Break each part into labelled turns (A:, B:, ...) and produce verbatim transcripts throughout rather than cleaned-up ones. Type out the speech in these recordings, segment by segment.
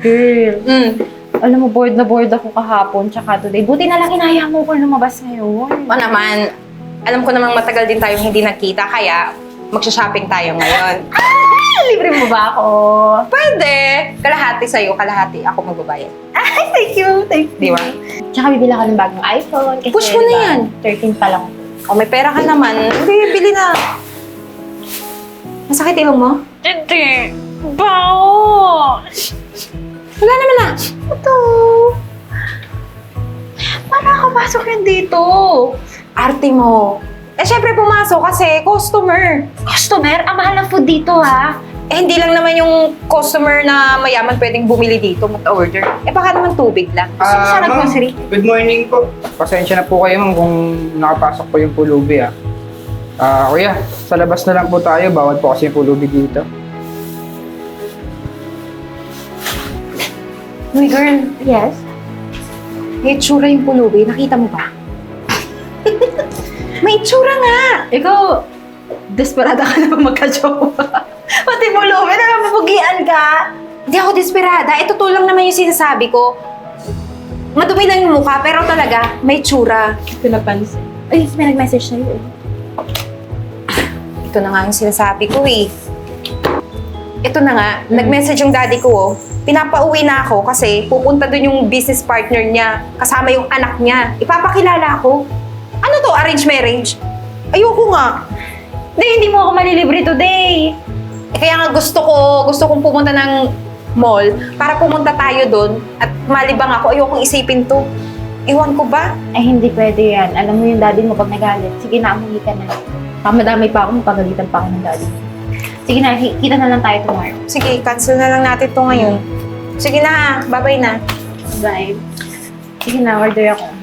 A: Girl,
B: Mm.
A: alam mo, bored na bored ako kahapon tsaka today. Buti na lang inaya mo ko lumabas ngayon.
B: O naman, alam ko namang matagal din tayong hindi nagkita, kaya magsha-shopping tayo ngayon.
A: Ay, libre mo ba ako?
B: Pwede! Kalahati sa'yo, kalahati ako magbabayad.
A: Ay, thank you, thank you.
B: Di ba?
A: Tsaka bibili ako ng bagong iPhone. Kasi,
B: Push mo na
A: diba,
B: yan.
A: thirteen pa lang.
B: O may pera ka naman, hindi, bili na. Masakit ilong mo?
A: Hindi. Bao!
B: Wala naman na.
A: Ito. Paano nakapasok yan dito?
B: Arte mo. Eh, syempre pumasok kasi customer.
A: Customer, ang mahal ng food dito, ha?
B: Eh, hindi lang naman yung customer na mayaman pwedeng bumili dito, mag-order. Eh, baka naman tubig lang. Gusto mo
C: Ah,
B: sana
C: ma'am,
B: grocery?
C: good morning po. Pasensya na po kayo ma'am kung nakapasok po yung pulubi ah. Ah, kuya, sa labas na lang po tayo. Bawal po kasi yung pulubi dito.
B: Uy, girl.
A: Yes?
B: May itsura yung pulubi. Nakita mo ba? May itsura nga!
A: Ikaw, desperada ka na magka-jowa. Pati mo, Lumi, na mapugian ka.
B: Hindi ako desperada. Ito to lang naman yung sinasabi ko. Madumi lang yung mukha, pero talaga, may itsura.
A: Ito napansin. Ay, may nag-message sa'yo eh.
B: Ito na nga yung sinasabi ko eh. Ito na nga, nag-message yung daddy ko oh. Pinapauwi na ako kasi pupunta dun yung business partner niya, kasama yung anak niya. Ipapakilala ako. Ano to, arrange marriage? Ayoko nga.
A: Hindi, hindi mo ako malilibre today.
B: Eh, kaya nga gusto ko, gusto kong pumunta ng mall para pumunta tayo doon at malibang ako. Ayokong isipin to. Iwan ko ba?
A: Ay, hindi pwede yan. Alam mo yung daddy mo pag nagalit. Sige na, umuwi ka na. Pamadamay pa ako, mapagalitan pa ako ng daddy. Sige na, ki- kita na lang tayo tomorrow.
B: Sige, cancel na lang natin to ngayon. Sige na ha, bye-bye na.
A: Bye. Sige na, order ako.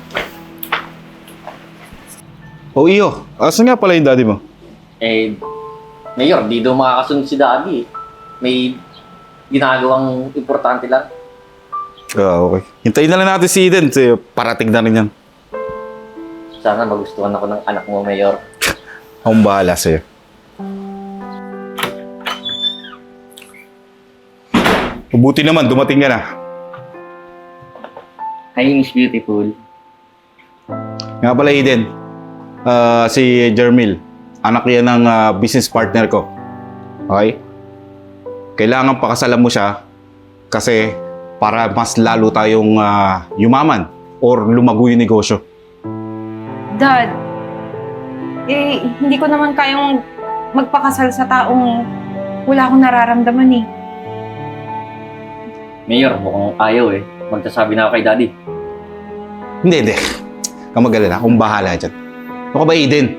D: O iyo, asan nga pala yung daddy mo?
E: Eh, Mayor, di daw makakasunod si Daddy eh. May ginagawang importante lang.
D: Ah, okay. Hintayin na lang natin si Eden. Kasi parating na rin yan.
E: Sana magustuhan ako ng anak mo, Mayor.
D: Akong bahala sa'yo. Mabuti naman, dumating ka na.
E: Hi, Miss Beautiful.
D: Nga pala Eden, ah, si Jermil. Anak yan ng ah, business partner ko. Okay? Kailangan pakasalan mo siya kasi para mas lalo tayong ah, yumaman or lumago yung negosyo.
B: Dad, eh, hindi ko naman kayang magpakasal sa taong wala akong nararamdaman eh.
E: Mayor, mukhang ayaw eh. Magsasabi na ako kay Daddy.
D: Hindi, hindi. Kang mag-alala, akong bahala dyan. Ano ka ba, Eden?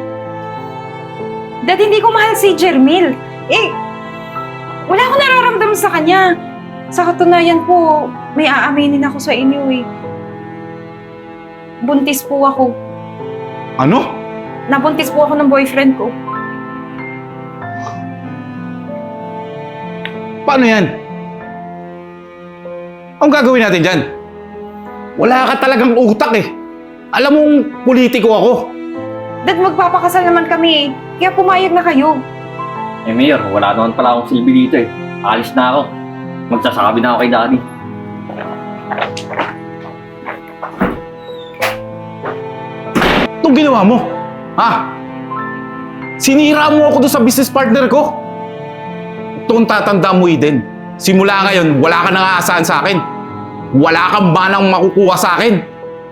B: Dad, hindi ko mahal si Jermil. Eh, wala akong nararamdaman sa kanya. Sa katunayan po, may aaminin ako sa inyo eh. Buntis po ako.
D: Ano?
B: Nabuntis po ako ng boyfriend ko.
D: Paano yan? Anong gagawin natin dyan? Wala ka talagang utak eh. Alam mong politiko ako.
B: Dad, magpapakasal naman kami eh. Kaya pumayag na kayo.
E: Eh, Mayor, wala naman pala akong silbi dito eh. Alis na ako. Magsasabi na ako kay Daddy.
D: Itong ginawa mo, ha? Sinira mo ako doon sa business partner ko. Itong tatanda mo, Eden. Simula ngayon, wala ka nang aasahan sa akin. Wala kang banang makukuha sa akin.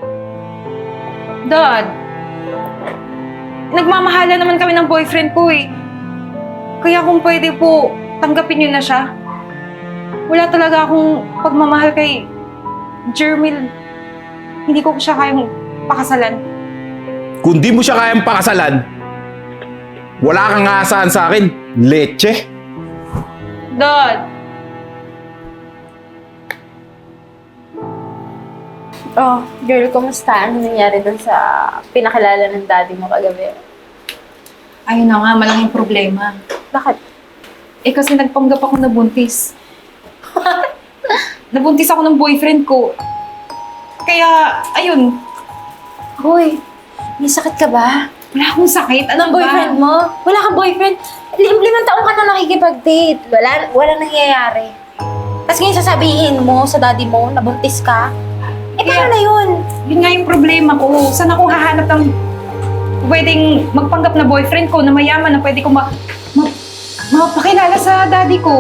B: Dad, nagmamahala naman kami ng boyfriend ko eh. Kaya kung pwede po, tanggapin niyo na siya. Wala talaga akong pagmamahal kay Jermil. Hindi ko siya kayang pakasalan.
D: Kung di mo siya kayang pakasalan, wala kang aasahan sa akin. Leche.
B: Dad!
A: Oh, girl, kumusta? Ano nangyari dun sa pinakilala ng daddy mo kagabi?
B: Ayun na nga, malaking problema.
A: Bakit?
B: Eh kasi nagpanggap ako na buntis. Nabuntis ako ng boyfriend ko. Kaya, ayun,
A: Hoy, may sakit ka ba?
B: wala akong sakit. Ano
A: Anong boyfriend mo? Wala kang boyfriend? Lim limang taong ka na nakikipag-date. Wala, wala nangyayari.
B: Tapos ngayon sasabihin mo sa daddy mo na buntis ka? Eh, paano na yun?
F: Yun nga yung problema ko. Saan ako hahanap ng pwedeng magpanggap na boyfriend ko na mayaman na pwede ko ma... ma mapakilala sa daddy ko.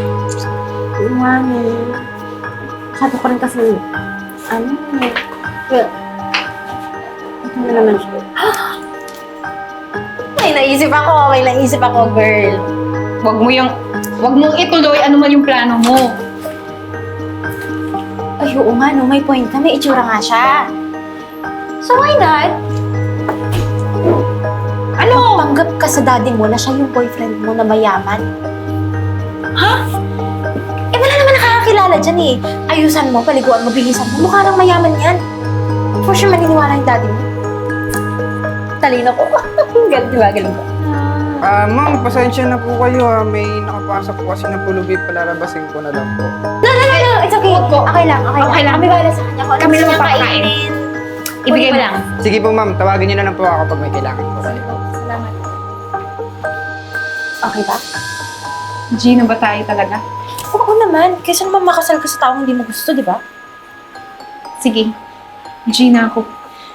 A: Mami. Sabi ko rin kasi, ano eh. Well, ito na naman siya.
B: May naisip ako, may naisip ako, girl.
F: Wag mo yung... Wag mong ituloy ano man yung plano mo.
B: Ay, oo nga, no, may point ka. May itsura nga siya. So, why not? Ano? Panggap ka sa daddy mo na siya yung boyfriend mo na mayaman. Ha? Eh, wala naman nakakakilala dyan eh. Ayusan mo, paliguan mo, bihisan mo. Mukha nang mayaman yan. For sure, maniniwala yung daddy mo. Talino ko. Galing, di ba? Galing ko.
C: Ah, ma'am, pasensya na po kayo ha. May nakapasok po kasi ng pulubi, palarabasin ko na lang po.
B: No, no, no, no. It's okay. Okay lang, okay,
F: Okay
B: lang.
F: lang.
B: Kami bahala sa kanya. Kung ano
F: Kami
B: gusto
F: lang
B: niya
F: papakain.
B: kainin.
F: Ibigay mo lang.
C: Sige po ma'am, tawagin niyo na lang po ako pag may kailangan po kayo.
F: Salamat.
B: Okay ba?
F: Gino ba tayo talaga?
B: Oo naman. Kaysa naman makasal ka sa taong hindi mo gusto, di ba?
F: Sige. Gina ako.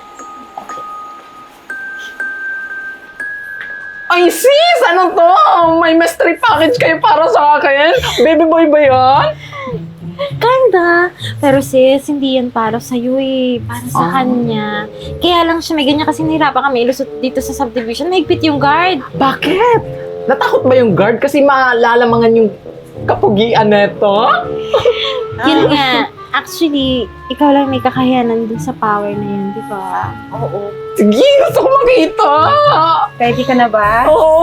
G: Ay, sis! Ano to? May mystery package kayo para sa akin? Baby boy ba yan?
A: Ganda. Pero sis, hindi yan para sa'yo eh. Para sa
G: Ah.
A: kanya. Kaya lang siya, may ganyan kasi nahirapan kami ilusot dito sa subdivision. Mahigpit yung guard.
G: Bakit? Natakot ba yung guard kasi malalamangan yung kapugian neto?
A: Yun nga. Actually, ikaw lang may kakayanan dun sa power na yun, di ba? Oo.
G: Sige, gusto ko makita!
F: Ready ka na ba?
G: Oo!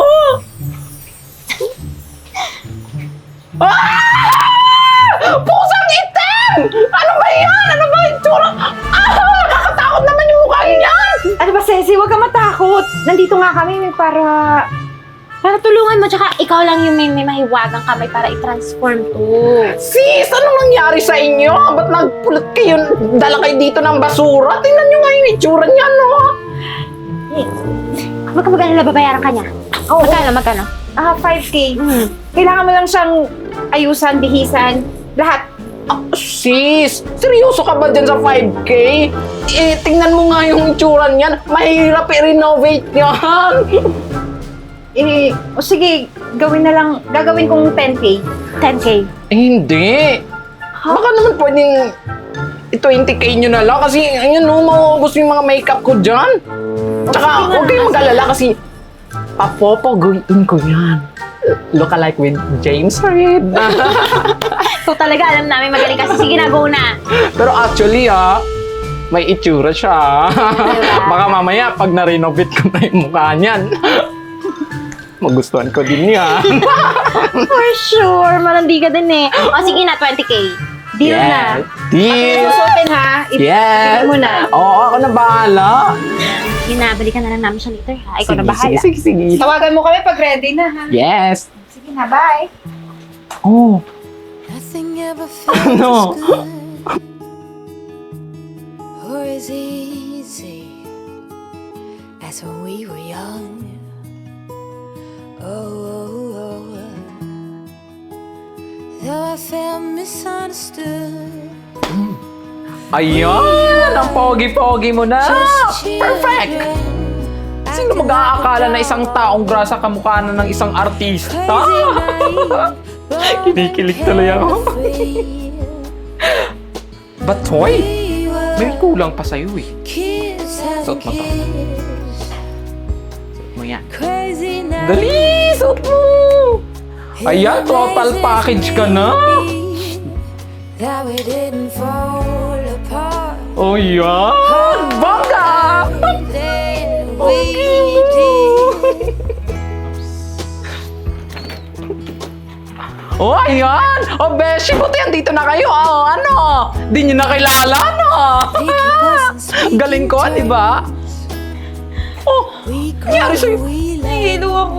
G: Ah! Pusang itim! Ano ba yan? Ano ba yung tsura? Ah! Nakakatakot naman yung mukha niyan!
F: Ano ba, Ceci? Huwag ka matakot. Nandito nga kami para...
A: Para tulungan mo, tsaka ikaw lang yung may, may mahiwagang kamay para i-transform to.
G: Sis, anong nangyari sa inyo? Ba't nagpulot kayo? Dala kayo dito ng basura? Tingnan nyo nga yung itsura niya, no?
A: Huwag ka mag-alala, babayaran ka niya.
F: Oo.
A: Magkano, magkano?
F: Ah, five K.
A: Hmm.
F: Kailangan mo lang siyang ayusan, bihisan, lahat.
G: Ah, sis, seryoso ka ba dyan sa five K? Eh, tingnan mo nga yung itsura niyan. Mahirap i-renovate yan.
F: Eh, o sige, gawin na lang, gagawin kong ten K.
A: ten K.
G: Eh, hindi. Baka naman pwedeng i-twenty K nyo na lang kasi ayun no, mauubos yung mga makeup ko dyan. Tsaka huwag kayong mag-alala kasi papopoguin ko yan. Look alike with James Reid.
A: So talaga, alam namin magaling kasi. Sige na, go na.
G: Pero actually ha, may itsura siya. Baka mamaya pag na-renovate ko na yung mukha niyan, magustuhan ko din yan.
A: For sure, malandi ka din eh. O sige na, twenty K. Deal na.
G: Deal!
F: Susutin ha. I-
G: Yes!
F: Ibigay mo na.
G: Oo, ako na bahala.
A: Sige na, balikan na lang namin siya later ha. Ikaw
G: Sige,
A: na bahala.
G: Sige, sige, sige.
F: Tawagan mo kami pag ready na ha.
G: Yes!
F: Sige na, bye.
G: Oh,
H: Nothing ever feels
G: Ano?
H: good or as easy as when we were young. Oh, oh, oh. Though I felt misunderstood.
G: ayan! Ang pogi-pogi mo na! Perfect! Sino mag-aakala na isang taong grasa kamukha na ng isang artista? Kinikilig tuloy ako. But hoy, may kulang pa sa'yo eh. Suot mo to. Suot mo yan. Dali! Suot mo! Ayan, total package ka na!
H: That we didn't fall apart.
G: Oh, yan! Bongga!
H: Then we did.
G: Oh, ayan! Oh, Beshi, buti andito na kayo. Oh, ano? Di nyo na kilala, no? Galing ko, di ba? Oh, nangyari sa'yo.
H: Nahihilo ako.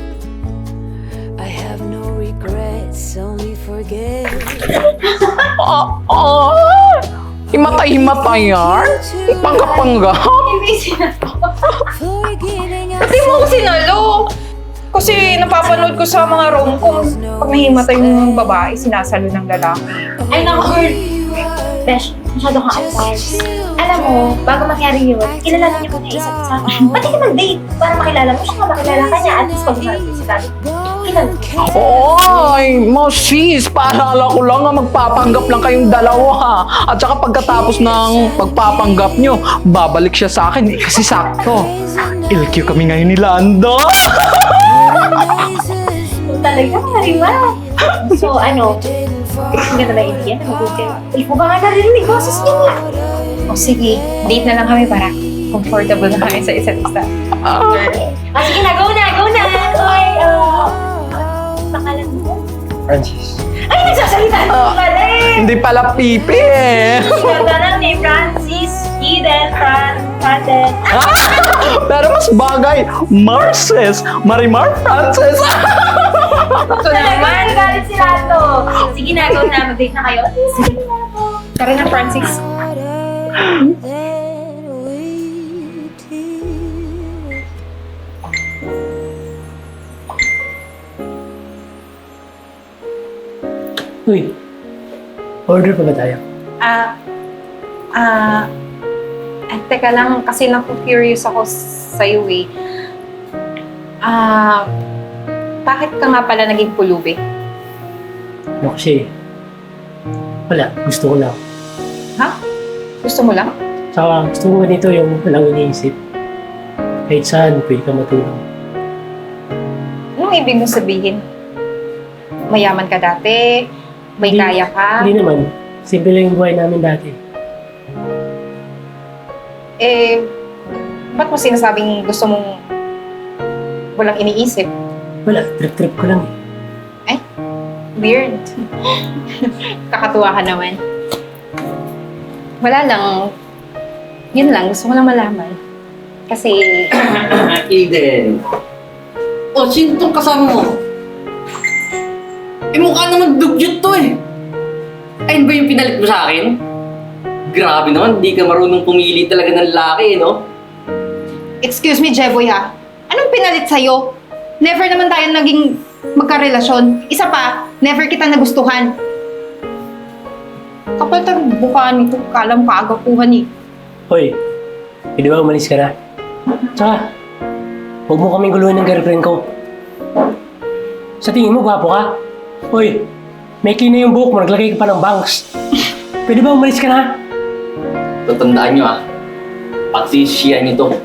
H: I have no regrets, only forget.
G: Oh, oh! Himatay-himatay yan? Panggap-panggap?
H: Forgetting
F: Pati mo ako sinalo. Kasi napapanood ko sa mga rom-com, pag nahimatay yung babae, sinasalo ng lalaki.
A: Ay, naku, girl. Besh, masyado kang advice. Alam mo, bago mangyari yun, kilalanin niyo muna isa't isa. Pati ka mag-date para makilala mo siya, nga makilala ka niya. At least pag umarap sa dati, kilala.
G: Oy, mo sis, paalala ko lang nga magpapanggap lang kayong dalawa. At saka pagkatapos ng pagpapanggap nyo, babalik siya sa akin. Eh, kasi sakto. L Q kami ngayon ni Lando.
A: Talaga, Marima. So, ano, hindi ka na naiintindihan na mag-date kayo. Hindi ko ba nga narinig boses niya niya?
F: O sige, date na lang kami para comfortable na kami sa isa't isa.
A: Ah, sige na, go na, go na! Oy, uh, pangalan mo?
C: Francis.
A: Ay, nagsasalita na uh, pala eh!
G: Hindi pala pipi eh.
A: Ganda lang ni Francis, Eden, Fran, Franden.
G: Pero mas bagay, Marces, Marimar Frances.
A: Ito naman, galit si Lato. Sige na, go na, mag-date na kayo. Sige na, go.
F: Tara na, Francis.
I: Uy, order pa ba tayo?
B: Ah, ah, eh, teka lang, kasi naku-curious ako sa'yo eh. Ah, bakit ka nga pala naging pulubi?
I: Ano kasi, wala, gusto ko lang.
B: Ha? Gusto mo lang?
I: Saka gusto ko ganito yung walang iniisip. Kahit saan, pwede ka matulong.
B: Anong ibig mo sabihin? Mayaman ka dati? May
I: Hindi-
B: kaya ka?
I: Hindi naman, simple lang yung buhay namin dati.
B: Eh, ba't mo sinasabing gusto mong walang iniisip?
I: Wala, trip-trip ko lang eh.
B: Weird. Kakatuwa ka naman. Wala lang. Yun lang, gusto ko lang malaman. Kasi,
E: Eden. O, sino tong kasama mo? Eh, mukha naman dugyot to eh. Ayun ba yung pinalit mo sa akin? Grabe naman, di ka marunong pumili talaga ng lalaki eh, no?
F: Excuse me, Jeboy ha. Anong pinalit sa'yo? Never naman tayo naging magkarelasyon. Isa pa, never kita nagustuhan. Kapal tang bukaan nito, kalam kaagapuhan eh.
I: Hoy, pwede ba umalis ka na? Tsaka, huwag mo kaming guluhin ng girlfriend ko. Sa tingin mo, gwapo ka? Hoy, may na yung buhok mo, naglagay ka pa ng bangs. Pwede ba umalis ka na?
E: Tatandaan nyo ah. Pagsisisiyan nyo to.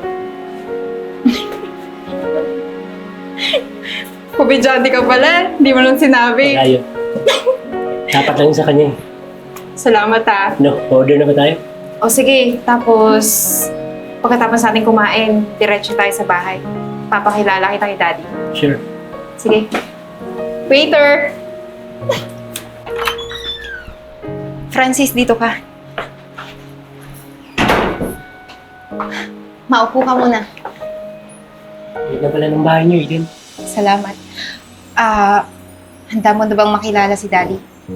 F: Kubidyante ka pala, hindi mo lang sinabi.
I: Wala yun. Dapat lang yun sa kanya eh.
F: Salamat ha.
I: No, order na ba tayo?
F: O sige, tapos pagkatapos natin kumain, diretso tayo sa bahay. Papakilala kita kay Daddy.
I: Sure.
F: Sige. Waiter! Francis, dito ka. Maupo ka muna.
I: Hindi na pala ng bahay niyo, Eden.
F: Salamat. Ah, handa mo na bang makilala si Daddy?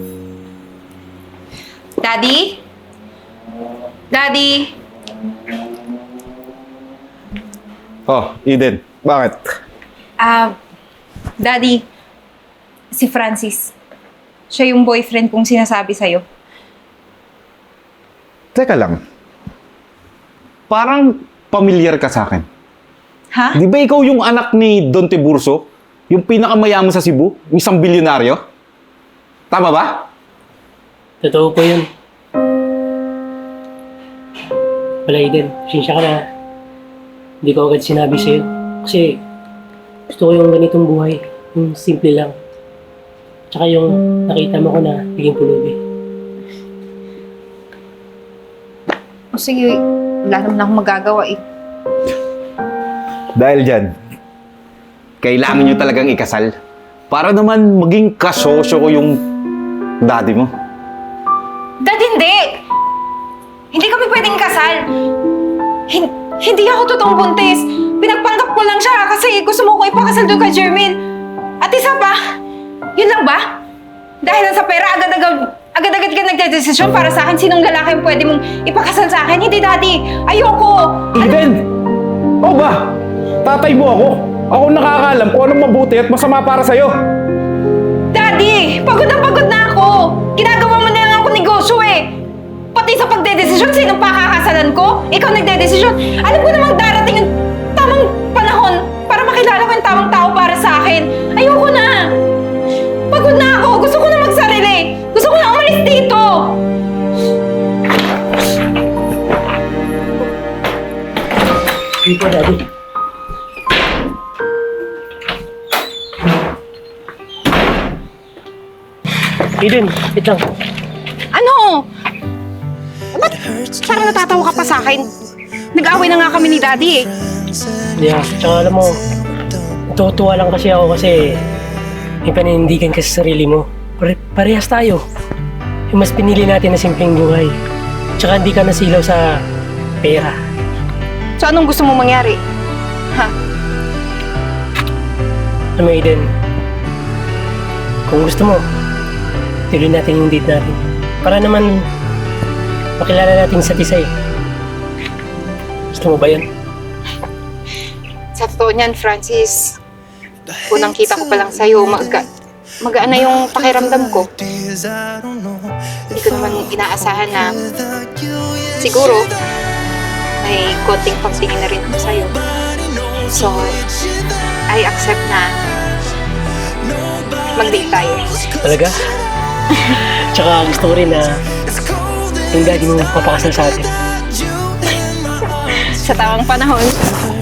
F: Daddy? Daddy?
D: Oh, Eden, bakit?
F: Ah, Daddy, si Francis. Siya yung boyfriend kong sinasabi sa'yo.
D: Teka lang. Parang pamilyar ka sa akin.
F: Ha?
D: Di ba ikaw yung anak ni Don Tiburcio? Yung pinakamayaman sa Cebu? Yung isang bilyonaryo? Tama ba?
I: Totoo po yun. Wala, Eden. Sinsya ka na. Hindi ko agad sinabi sa'yo. Kasi gusto ko yung ganitong buhay. Yung simple lang. Tsaka yung nakita mo ko na biging pulubi.
F: O sige, wala naman akong magagawa eh.
D: Dahil dyan, kailangan nyo talagang ikasal. Para naman maging kasosyo ko yung daddy mo.
F: Dad, hindi! Hindi kami pwedeng kasal. Hin- hindi ako totoong buntis. Pinagpanggap ko lang siya kasi gusto mo ko ipakasal doon kay Jermaine. At isa pa, yun lang ba? Dahil lang sa pera, agad-agad, agad-agad ka nagdedesisyon para sa akin sinong lalaki ang pwede mong ipakasal sa akin. Hindi, Daddy. Ayoko.
D: Eden! O ba? Tatay mo ako?
G: Ako nakakaalam kung anong mabuti at masama para sa'yo.
F: Daddy! Pagod na pagod na ako! Ginagawa mo na lang ako negosyo eh! Pati sa pagdedesisyon, sinong pakakasalan ko? Ikaw nagdedesisyon. Alam ko namang darating yung tamang panahon para makilala ko yung tamang tao para sa akin. Ayoko na! Pagod na ako! Gusto ko na magsarili! Gusto ko na umalis dito!
I: Hindi po, Daddy. Eden, wait lang.
B: Ano? Ba't parang natatawa ka pa sa akin? Nag-away na nga kami ni Daddy eh.
I: Yeah, tsaka alam mo, natutuwa lang kasi ako kasi may paninindigan ka sa sarili mo. Pare parehas tayo. Yung mas pinili natin na simpleng buhay. Tsaka hindi ka nasilaw sa pera.
B: So anong gusto mo mangyari? Ha?
I: Alam mo, Eden, kung gusto mo, tuloy natin yung date natin. Para naman makilala natin sa isa eh. Gusto mo ba yun?
B: Sa totoo niyan, Francis, unang kita ko pa lang sa'yo, mag magaan na yung pakiramdam ko. Hindi ko naman inaasahan na siguro may konting pagtingin na rin ako sa'yo. So, I accept na mag-date tayo.
I: Talaga? Tsaka gusto ko rin na yung daddy mo papakasal sa atin.
B: Sa tamang panahon.